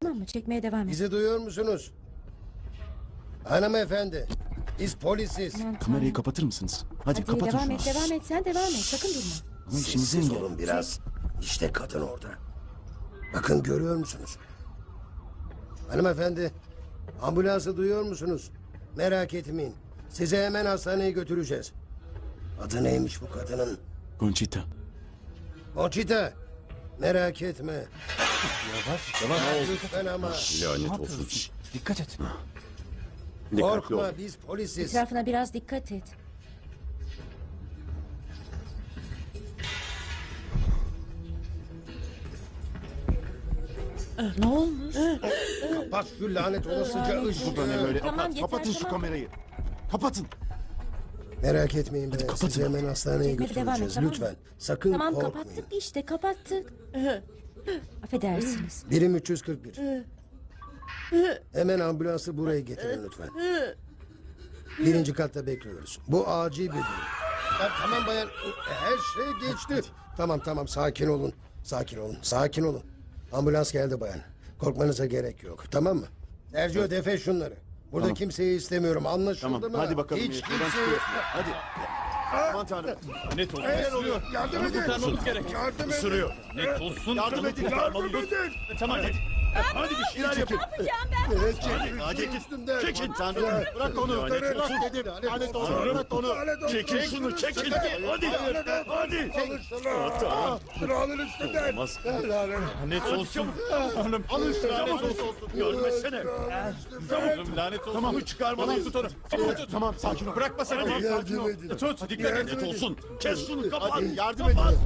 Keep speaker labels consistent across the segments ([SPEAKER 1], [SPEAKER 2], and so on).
[SPEAKER 1] Tamam mı? Çekmeye devam et.
[SPEAKER 2] Bizi duyuyor musunuz? Hanımefendi, biz polisiz.
[SPEAKER 1] Aman
[SPEAKER 3] Kamerayı
[SPEAKER 1] Tanrım.
[SPEAKER 3] kapatır mısınız? Hadi,
[SPEAKER 1] Hadi
[SPEAKER 3] kapatın
[SPEAKER 1] devam
[SPEAKER 3] şunu.
[SPEAKER 1] et, devam et. Sen devam et. Sakın durma.
[SPEAKER 3] Ama işimizi
[SPEAKER 2] Sessiz
[SPEAKER 3] engel.
[SPEAKER 2] olun biraz. İşte kadın orada. Bakın görüyor musunuz? Hanımefendi, ambulansı duyuyor musunuz? Merak etmeyin. Sizi hemen hastaneye götüreceğiz. Adı neymiş bu kadının?
[SPEAKER 3] Conchita.
[SPEAKER 2] Conchita. Merak etme. Yavaş. Lütfen ama.
[SPEAKER 4] Lanet olsun.
[SPEAKER 3] Dikkat et.
[SPEAKER 4] Dikkatli ol.
[SPEAKER 2] Korkma, biz polisiz.
[SPEAKER 1] Etrafına biraz dikkat et. Ne olmuş?
[SPEAKER 2] Kapat şu lanet olasıca ışığı.
[SPEAKER 3] Bu da ne böyle?
[SPEAKER 1] Tamam, yeter,
[SPEAKER 3] Kapatın şu
[SPEAKER 1] tamam.
[SPEAKER 3] kamerayı. Kapatın.
[SPEAKER 2] Merak etmeyin be.
[SPEAKER 3] kapatın
[SPEAKER 2] Sizi hemen hastaneye
[SPEAKER 1] Çekmeye devam et,
[SPEAKER 2] götüreceğiz.
[SPEAKER 1] tamam mı?
[SPEAKER 2] Lütfen. Sakın
[SPEAKER 1] Tamam
[SPEAKER 2] korkmayın.
[SPEAKER 1] kapattık işte kapattık. Affedersiniz.
[SPEAKER 2] Birim 341. Hemen ambulansı buraya getirin lütfen. Birinci katta bekliyoruz. Bu acil bir durum. Tamam bayan. Her şey geçti. Tamam sakin olun. Sakin olun. Ambulans geldi bayan. Korkmanıza gerek yok. Tamam mı? Sergio defe şunları. Burada kimseyi istemiyorum. Anlaşıldı
[SPEAKER 3] Tamam.
[SPEAKER 2] mı?
[SPEAKER 3] Hadi bakalım.
[SPEAKER 2] Hiç
[SPEAKER 3] Buradan
[SPEAKER 2] kimseyi...
[SPEAKER 3] çıkıyorsun. Hadi. Aman tanrım.
[SPEAKER 4] Net olsun.
[SPEAKER 2] Neler oluyor? Yardım edin.
[SPEAKER 4] Kurtarmamız gerek.
[SPEAKER 2] Yardım edin.
[SPEAKER 4] Isırıyor. Net olsun.
[SPEAKER 3] Yardım edin.
[SPEAKER 4] Kurtarmalıyız. Tamam hadi. Hadi bir şeyler yapın.
[SPEAKER 2] Evet, çekin.
[SPEAKER 4] Hadi
[SPEAKER 2] Üstümden.
[SPEAKER 4] çekin.
[SPEAKER 3] Tanrım. Bırak onu.
[SPEAKER 4] Lanet
[SPEAKER 3] Bırak
[SPEAKER 4] olsun.
[SPEAKER 3] dedim. Lanet olsun. Bırak onu.
[SPEAKER 4] Çekin şunu çekin. Hadi. Hadi.
[SPEAKER 2] Kralın üstünden.
[SPEAKER 4] Olmaz. Lanet olsun. Hanım.
[SPEAKER 3] Alın şunu.
[SPEAKER 4] Lanet
[SPEAKER 3] Lanet
[SPEAKER 4] olsun.
[SPEAKER 3] olsun.
[SPEAKER 4] Görmesene. Tamam. Lanet olsun.
[SPEAKER 3] Tamam.
[SPEAKER 4] Bunu çıkarmalıyız. Tut onu.
[SPEAKER 3] Tamam sakin ol.
[SPEAKER 4] Bırakma sen. Hadi.
[SPEAKER 2] Yardım edin.
[SPEAKER 4] Tut. Dikkat et. Lanet olsun. Kes şunu. Kapat.
[SPEAKER 3] Hadi yardım edin.
[SPEAKER 4] Kapat.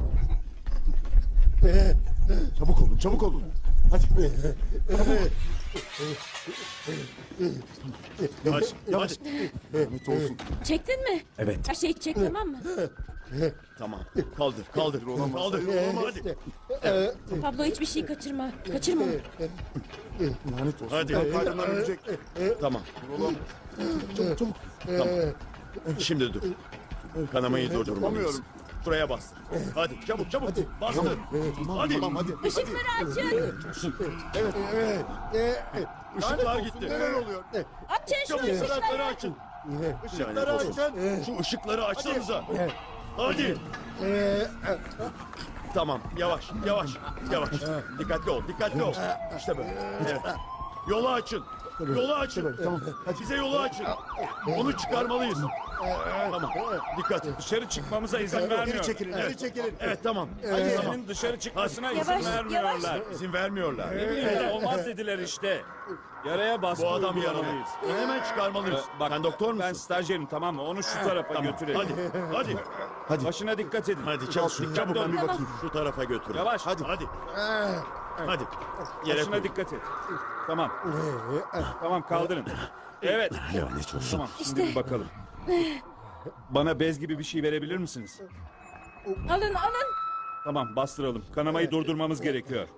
[SPEAKER 3] Çabuk olun. Hadi.
[SPEAKER 4] Hadi.
[SPEAKER 3] Yavaş.
[SPEAKER 4] Hadi.
[SPEAKER 3] Lanet olsun.
[SPEAKER 1] Çektin mi?
[SPEAKER 4] Evet.
[SPEAKER 1] Her şeyi çek tamam mı?
[SPEAKER 4] Tamam. Kaldır. Kaldır. Kaldır. Hadi.
[SPEAKER 1] Pablo hiçbir şey kaçırma. Kaçırma.
[SPEAKER 3] Lanet olsun.
[SPEAKER 4] Hadi.
[SPEAKER 3] Kalbimden ölecek.
[SPEAKER 4] Tamam.
[SPEAKER 3] Çabuk.
[SPEAKER 4] Tamam. Şimdi dur. Kanamayı durdurmalıyız.
[SPEAKER 3] Yapamıyorum.
[SPEAKER 4] Şuraya bas. Hadi çabuk. Bastır. Hadi.
[SPEAKER 3] Tamam hadi.
[SPEAKER 1] Işıkları açın.
[SPEAKER 4] Işıklar gitti.
[SPEAKER 3] Neler oluyor?
[SPEAKER 1] Açın şu
[SPEAKER 4] Çabuk
[SPEAKER 1] ışıkları.
[SPEAKER 4] ışıkları açın.
[SPEAKER 3] Işıkları açın.
[SPEAKER 4] Şu ışıkları açsanıza. Hadi. Tamam. Yavaş. Dikkatli ol. İşte böyle. Evet. Yolu açın.
[SPEAKER 3] Tamam.
[SPEAKER 4] Bize yolu açın. Onu çıkarmalıyız. Tamam. Dikkat.
[SPEAKER 5] Dışarı çıkmamıza izin
[SPEAKER 3] Geri
[SPEAKER 5] vermiyor.
[SPEAKER 3] çekilin. Geri çekilin.
[SPEAKER 4] Evet tamam.
[SPEAKER 5] Senin dışarı çıkmasına izin
[SPEAKER 1] Yavaş,
[SPEAKER 5] vermiyorlar.
[SPEAKER 4] İzin vermiyorlar.
[SPEAKER 5] Olmaz dediler işte. Yaraya baskı
[SPEAKER 4] Bu adam yaralı.
[SPEAKER 5] uygulamalıyız.
[SPEAKER 4] Hemen çıkarmalıyız.
[SPEAKER 5] Bak,
[SPEAKER 4] Sen doktor musun?
[SPEAKER 5] Ben stajyerim tamam mı? Onu şu tarafa götürelim.
[SPEAKER 4] Hadi.
[SPEAKER 5] Başına dikkat edin.
[SPEAKER 4] Hadi çabuk.
[SPEAKER 5] Çabuk.
[SPEAKER 4] Ben bir bakayım. Şu tarafa götür.
[SPEAKER 5] Yavaş.
[SPEAKER 4] Hadi. Hadi. Yere
[SPEAKER 5] Başına
[SPEAKER 4] koy.
[SPEAKER 5] dikkat et. Tamam. Tamam kaldırın. Evet.
[SPEAKER 4] Lanet olsun.
[SPEAKER 5] Tamam şimdi bir bakalım. Bana bez gibi bir şey verebilir misiniz?
[SPEAKER 1] Alın.
[SPEAKER 5] Tamam bastıralım. Kanamayı durdurmamız gerekiyor.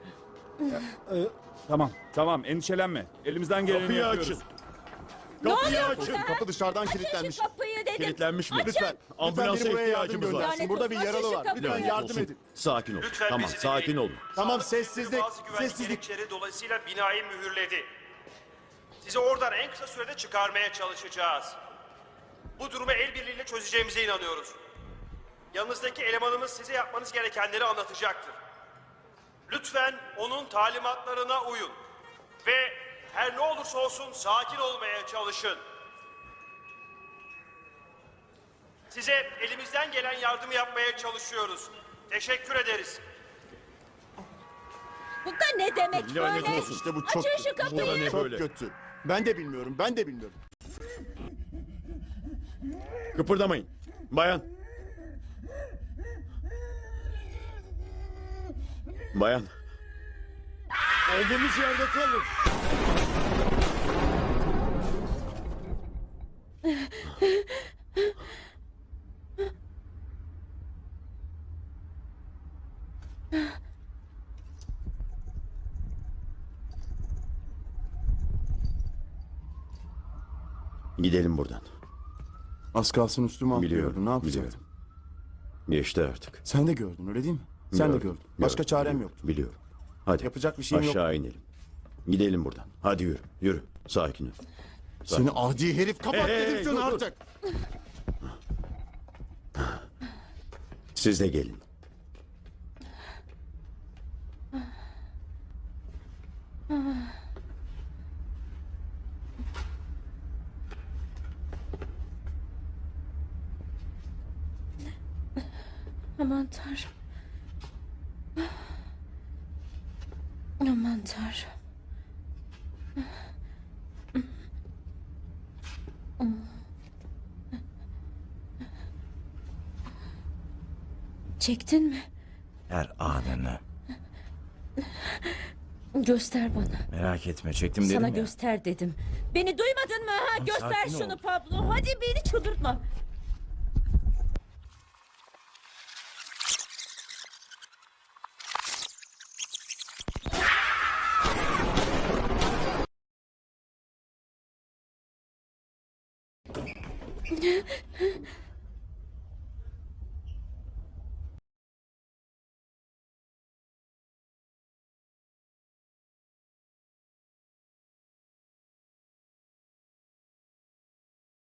[SPEAKER 5] Tamam endişelenme. Elimizden geleni
[SPEAKER 4] Kapıyı
[SPEAKER 5] yapıyoruz.
[SPEAKER 4] açın. Kapıyı açın.
[SPEAKER 3] Kapı dışarıdan
[SPEAKER 1] Açın
[SPEAKER 3] kilitlenmiş.
[SPEAKER 1] şu kapıyı dedim.
[SPEAKER 4] Kilitlenmiş mi?
[SPEAKER 3] Lütfen.
[SPEAKER 4] Ambulansa
[SPEAKER 3] biri buraya yardım
[SPEAKER 4] ihtiyacımız var.
[SPEAKER 3] göndersin. Burada bir
[SPEAKER 1] Lanet
[SPEAKER 3] yaralı
[SPEAKER 1] olsun,
[SPEAKER 3] var.
[SPEAKER 1] açın şu
[SPEAKER 3] Lütfen
[SPEAKER 1] kapıyı.
[SPEAKER 3] yardım edin.
[SPEAKER 4] Sakin ol.
[SPEAKER 6] Lütfen
[SPEAKER 4] Tamam
[SPEAKER 6] bizi
[SPEAKER 4] sakin
[SPEAKER 6] dinleyin.
[SPEAKER 4] olun.
[SPEAKER 3] Tamam,
[SPEAKER 6] Sağlık
[SPEAKER 3] sessizlik,
[SPEAKER 6] bazı güvenlik
[SPEAKER 3] sessizlik.
[SPEAKER 6] gerekçeleri dolayısıyla binayı mühürledi. Sizi oradan en kısa sürede çıkarmaya çalışacağız. Bu durumu el birliğiyle çözeceğimize inanıyoruz. Yanınızdaki elemanımız size yapmanız gerekenleri anlatacaktır. Lütfen onun talimatlarına uyun. Ve her ne olursa olsun sakin olmaya çalışın. Size elimizden gelen yardımı yapmaya çalışıyoruz. Teşekkür ederiz.
[SPEAKER 1] Bu da ne demek
[SPEAKER 4] Lanet
[SPEAKER 1] böyle?
[SPEAKER 4] olsun.
[SPEAKER 3] İşte bu çok
[SPEAKER 1] Açın şu
[SPEAKER 4] Bu da
[SPEAKER 1] kapıyı.
[SPEAKER 4] ne
[SPEAKER 3] Çok
[SPEAKER 4] böyle?
[SPEAKER 3] kötü. Ben de bilmiyorum.
[SPEAKER 4] Kıpırdamayın. Bayan. Bayan. Olduğumuz yerde kalın. Gidelim buradan.
[SPEAKER 3] Az kalsın üstüme
[SPEAKER 4] Biliyorum.
[SPEAKER 3] atlıyordu. Ne yapacaktım?
[SPEAKER 4] Biliyorum. Geçti artık.
[SPEAKER 3] Sen de gördün öyle değil mi? Sen de
[SPEAKER 4] Biliyorum,
[SPEAKER 3] gördün. Başka
[SPEAKER 4] biliyorum,
[SPEAKER 3] çarem
[SPEAKER 4] biliyorum,
[SPEAKER 3] yoktu.
[SPEAKER 4] Biliyorum. Hadi.
[SPEAKER 3] Yapacak bir şeyim yok.
[SPEAKER 4] Aşağı inelim. Gidelim buradan. Hadi yürü. Yürü. Sakin ol.
[SPEAKER 3] Seni adi herif kapat
[SPEAKER 4] Hey,
[SPEAKER 3] dedim sana
[SPEAKER 4] dur, dur.
[SPEAKER 3] artık.
[SPEAKER 4] Siz de gelin.
[SPEAKER 1] Aman Tanrım. Aman Tanrım. Çektin mi?
[SPEAKER 7] Her anını.
[SPEAKER 1] Göster bana.
[SPEAKER 7] Merak etme çektim dedim
[SPEAKER 1] Sana
[SPEAKER 7] ya.
[SPEAKER 1] göster dedim. Beni duymadın mı? Ha? Göster
[SPEAKER 7] sakin
[SPEAKER 1] şunu
[SPEAKER 7] ol.
[SPEAKER 1] Pablo. Hadi beni çıldırtma.